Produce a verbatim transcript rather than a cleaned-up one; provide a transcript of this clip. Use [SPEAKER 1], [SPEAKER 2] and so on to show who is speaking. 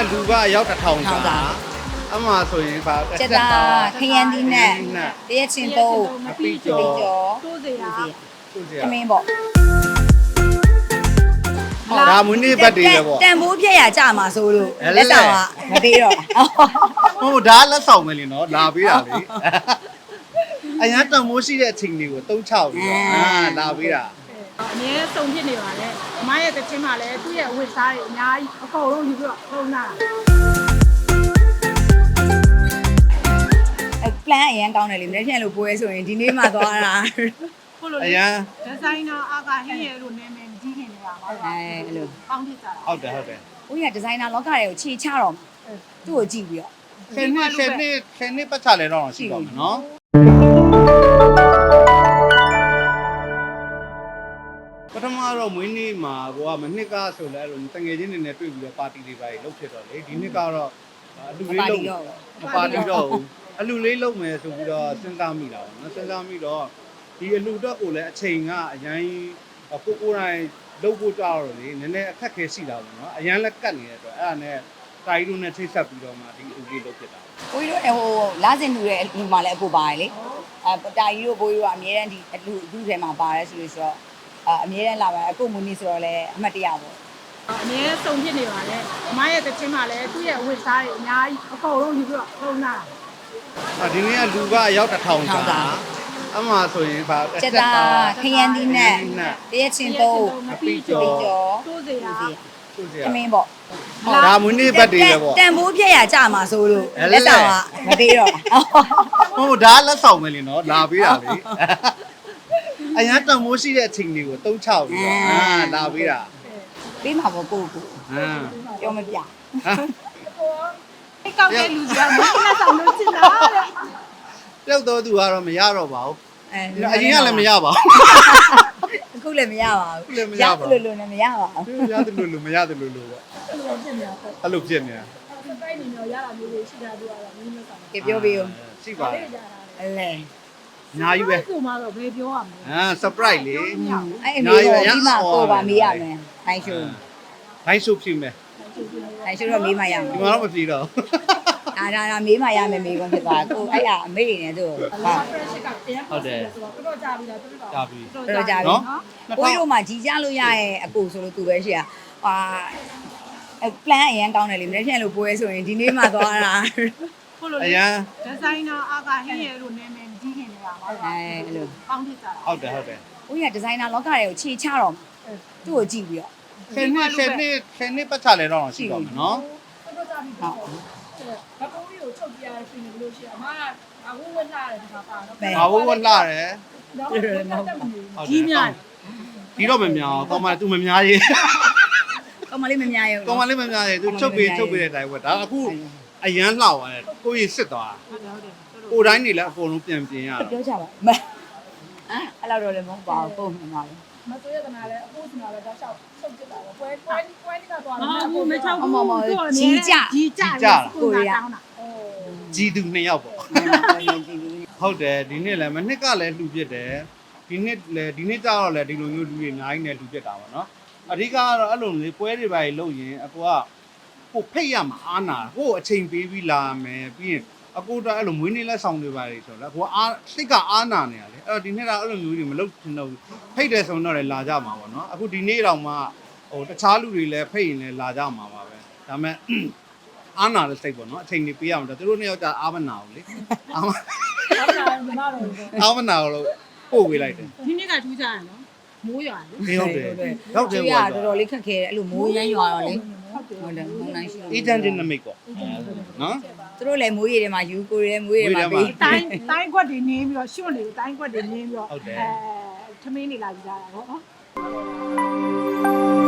[SPEAKER 1] လူကရောက်တစ်ထောင်စာအမှဆိုရင်ပါ
[SPEAKER 2] ကျက်တာခရမ်းသီးနဲ့တရက်ချင်းသုံး
[SPEAKER 1] အပီကျော်
[SPEAKER 3] တိုးစရာ
[SPEAKER 1] သူစရာ
[SPEAKER 2] သမင်းပေါ့
[SPEAKER 1] ဒါမွေးနေ့ပတ်တွေလေပေါ့
[SPEAKER 2] တန်ဖိုးပြက်ရကြမှာဆိုလို့လက်ဆောင်ကမပေးတော့
[SPEAKER 1] ဟုတ်ဒါလက်ဆောင်ပဲလीနော်လာပေးတာလေအရင်တန်မိုးရှိတဲ့အချိန်တွေကိုသုံးချပြီးတော့အာလာပေးတာ
[SPEAKER 3] အမြဲစုံဖြစ်နေပါလေအမရဲ့တချင်းမှာလည်းသူ့ရဲ့ဝတ်စားတွေအများကြီးအကုန်လုံးယူပြီးတော့ထုံးတာ
[SPEAKER 2] အဲ plan အရင်ကောင်းတယ်လေမနေ့ပြန်လို့ပွဲဆိုရင်ဒီနေ့မှသွားတာ
[SPEAKER 3] ဟုတ်လို့
[SPEAKER 1] အရင်
[SPEAKER 3] ဒီဇိုင်နာအာကဟင်းရဲလို့နာမည်ကြီးခင်နေတာပါ
[SPEAKER 2] အဲအဲ့လို
[SPEAKER 3] ပေါင်းဖြစ်ကြတာ
[SPEAKER 1] ဟုတ်တယ်ဟုတ်တယ်
[SPEAKER 2] ဦးရဒီဇိုင်နာလောကတွေကိုခြေချတော့သူ့ကိုကြည့်ပြီးတော့
[SPEAKER 1] ဆယ်နှစ်ဆယ်နှစ်ဆယ်နှစ်ပတ်ချလဲတော့ရှိပါမယ်နော်ပထမတော့မွေးနေ့မှာကိုကမနှစ်ကဆိုလဲအဲ့လိုတငယ်ချင်းတွေနဲ့တွေ့ပြီးတော့ပါတီတွေပါလုပ်ဖြစ်တော့လေဒီနှစ်ကတော့အလူလေးလုပ်မပါတီတော့ဘူးအလူလေးလုပ်မယ်ဆိုပြီးတော့စဉ်းစားမိတာပေါ့နော်စဉ်းစားမိတော့ဒီအလူတော့ကိုလည်းအချိန်ကအရင်ကိုကိုတိုင်းလုပ်ဖို့ကြောက်တော့လေနည်းနည်းအခက်ခဲရှိတာပေါ့နော်အရင်လက်ကတ်နေတဲ့အတွက်အဲ့ဒါနဲ့တာကြီးတို့နဲ့ချိတ်ဆက်ပြီးတော့မှဒီအလူလေးလုပ်ဖြစ်တာ
[SPEAKER 2] ကိုကြီးတို့ဟိုလာစင်လူရဲ့လူမှလည်းအကိုပါတယ်လေအဲတာကြီးတို့ကိုကြီးတို့ကအမြဲတမ်းဒီအလူအခုထဲမှာပါတယ်ဆိုလို့ဆိုတော့အမြဲတမ်းလာပါအခုမူနီဆိုတော့လည်းအမှတ်တရပေါ့
[SPEAKER 3] အမြဲစုံဖြစ်နေပါလေအမရဲ့တချင်းမှာလည်းသူ့ရဲ့ဝတ်စားတွေအများကြီးအကုန်လုံးယူပြီးတော့ထုံးတာ
[SPEAKER 1] ဒီနေ့ကလူကရောက်တစ်ထောင်စာအမှဆိုရင်ပါ
[SPEAKER 2] ကျက်တာခရမ်းသီးနဲ့တရက်ချင်းသုံး
[SPEAKER 1] အပီကျော်
[SPEAKER 3] တိုးစရာ
[SPEAKER 1] သူစရာ
[SPEAKER 2] သမင်းပေါ့
[SPEAKER 1] ဒါမွေးနေ့ပတ်တွေလေပေါ့
[SPEAKER 2] တန်ဖိုးပြက်ရကြမှာဆိုလို့လက်ဆောင်ကမပေးတော့
[SPEAKER 1] ဟုတ်ဒါလက်ဆောင်ပဲလीနော်လာပေးတာလေအရင်တန်မိုးရှိတဲ့အချိန်တွေကိုသုံးချပြီးတော့အာလာပေးတာ
[SPEAKER 2] ပေးမှာပေါ့ကိုကို
[SPEAKER 1] ဟမ်
[SPEAKER 2] ပြောမပြ
[SPEAKER 3] အိတ်ကောက်တဲ့လူတွေကမင်းနဲ့ဆောင်လို့ချင်တာတဲ့
[SPEAKER 1] ပြောက်တော့သူကတော့မရတော့ပါဘူး
[SPEAKER 2] အဲ
[SPEAKER 1] အရင်ကလည်းမရပါ
[SPEAKER 2] အခုလည်းမရပါဘူး
[SPEAKER 1] အခုလည်းမရပါဘူး
[SPEAKER 2] လို့လို့လည်းမရပါဘူး
[SPEAKER 1] ဘူးရတယ်လို့လို့မရတယ်လို့လို့ပေါ့
[SPEAKER 3] အဲ့လိုဖြစ်နေတာပေါ့
[SPEAKER 1] အဲ့လိုဖြစ်နေတာ
[SPEAKER 3] တိုက်နေတော့ရတာမျိုးတွေရှိတာပြောရတာမင်းနဲ့ဆောင်
[SPEAKER 2] ကပြောပေးဦး
[SPEAKER 1] ရှိပါတယ်
[SPEAKER 2] အဲလေ
[SPEAKER 1] အများကြီးပဲ
[SPEAKER 3] ကိုမတော့ဘယ်ပြောရမလဲ
[SPEAKER 1] အာ surprise လေ
[SPEAKER 2] အဲ့အမေကိုဒီမှာကိုပါမေးရမယ်ခိုင်းရှုံ
[SPEAKER 1] ဘိုင်းရှုပ်ဖြစ်မယ်
[SPEAKER 2] ခိုင်းရှုံတော့မေးမှရမယ်
[SPEAKER 1] ဒီမှာတော့မပြေတော့
[SPEAKER 2] အာဒါဒါမေးမှရမယ်မေးခွန်းဖြစ်သွားကိုအဲ့ဒါအမေနေသူဟာ
[SPEAKER 3] pressure ကတရားဟုတ်တယ်ဆိုတော့တော်တော်ကြာပြီလားတော်တော်
[SPEAKER 1] ကြာပြီ
[SPEAKER 2] တော်ကြပြီနော်ကိုကြီးတို့မှကြီးကြလို့ရရဲ့အကိုဆိုလို့သူပဲရှိရဟာအဲ plan အရင်ကောင်းတယ်လေမနေ့ပြန်လို့ပွဲဆိုရင်ဒီနေ့မှသွားတာ
[SPEAKER 3] ဟုတ်လို့
[SPEAKER 1] အရင်
[SPEAKER 3] ဒီဇိုင်နာအာကဟင်းရဲလို့နာမည်ကြီးခင်နေတာပါ
[SPEAKER 2] အဲအဲ့လို
[SPEAKER 3] ပေါင်းဖြစ်ကြတာ
[SPEAKER 1] ဟုတ်တယ်ဟုတ်တယ်
[SPEAKER 2] ဦးရဒီဇိုင်နာလောကတွေကိုခြေချတော့သူ့ကိုကြည့်ပြီးတော့
[SPEAKER 1] ဆယ်နှစ်ဆယ်နှစ်ဆယ်နှစ်ပတ်ချလဲတော့ရှိပါမယ်နော်
[SPEAKER 3] တော်တော်ကြာပြီ
[SPEAKER 2] ဟုတ်
[SPEAKER 3] ဘကုန်းကြီးကိုချုပ်ပြရတဲ့ရှင်နေလို့ရှိရင်အမကအဝဝတ်လာတယ်ဒီမှာပါတော့
[SPEAKER 1] ဘာဝဝလာတယ်
[SPEAKER 3] တော့ကြီးများ
[SPEAKER 1] ဒီတော့မများအောင်ကောင်မသူမများရေး
[SPEAKER 2] ကောင်မလေးမများရဘူး
[SPEAKER 1] ကောင်မလေးမများရေးသူချုပ်ပေးချုပ်ပေးတဲ့အတိုင်းပဲဒါအခုအရန်လှောက်ရတယ်ကိုကြီးစစ်သွား
[SPEAKER 3] ဟုတ်တယ်ဟုတ်တယ်
[SPEAKER 1] ကိုတိုင်းနေလဲအကုန်လုံးပြန်ပြင်ရတာ
[SPEAKER 2] ပြောကြပါမအဲ့လောက်တော့လည်းမဟုတ်ပါဘူးပုံမှန်ပါပဲ
[SPEAKER 3] မစိုးရတနာလည်းအဖို့စနာလည်းတော့ရှောက်ချုပ်ကြတာပဲပွဲပွဲပွဲနေကတော့လည်းအဖို့မချောက်ဘူးကြီးကြကိုရတောင်းတာအိုး
[SPEAKER 1] ကြီးသူနှစ်ယောက်ပေါ့ဟုတ်တယ်ဒီနေ့လည်းမနှစ်ကလည်းလှူပြစ်တယ်ဒီနှစ်လည်းဒီနှစ်ကျတော့လည်းဒီလိုမျိုးလူတွေအများကြီးနဲ့လှူပြစ်တာပါနော်အဓိကကတော့အဲ့လိုမျိုးပွဲတွေပါလုပ်ရင်အကူကကိုဖိတ်ရမှာအားနာကိုအချိန်ပေးပြီးလာမယ်ပြီးရင်အကူတော့အဲ့လိုမွေးနေ့လက်ဆောင်တွေပါလေဆိုတော့ကိုအားစိတ်ကအားနာနေရလေအဲ့တော့ဒီနေ့ကအဲ့လိုမျိုးတွေမလုပ်ချင်တော့ဘူးဖိတ်တယ်ဆိုတော့လည်းလာကြမှာပေါ့နော်အခုဒီနေ့တော့မှဟိုတခြားလူတွေလည်းဖိတ်ရင်လည်းလာကြမှာပါပဲဒါမဲ့အားနာတဲ့စိတ်ပေါ့နော်အချိန်ကြီးပေးရမှာသူတို့နှစ်ယောက်ကျအားမနာဘူးလေအားမ
[SPEAKER 3] ဟုတ်လားညီမတို့
[SPEAKER 1] အားမနာလို့ပို့ပေးလိုက်တယ်
[SPEAKER 3] ဒီနေ့ကထူးကြရနော်မိုးရွာလေ
[SPEAKER 1] ဟုတ်တယ်ဟုတ်တယ်
[SPEAKER 2] ကျွေးရ
[SPEAKER 1] ပေါ့
[SPEAKER 2] တော်တော်လေးခက်ခဲတယ်အဲ့လိုမိုးရမ်းရွာတော့လေ
[SPEAKER 3] ဟုတ်တယ်
[SPEAKER 2] ဟုတ်တယ်မုန်းနိုင်ရှိ
[SPEAKER 1] အေဂျင့်တင်နမိတ်ပေါ့နော်
[SPEAKER 2] သူတို့လည်းမိုးရေတွေမှာယူကိုတွေလည်းမိုးရေတွေမှာပေး
[SPEAKER 3] တိုင်းတိုင်းကွက်တွေနင်းပြီးတော့ရှွန့်နေတိုင်းကွက်တွေနင်းပြီးတော့အဲထမင်းနေလာကြတာပေါ့နော်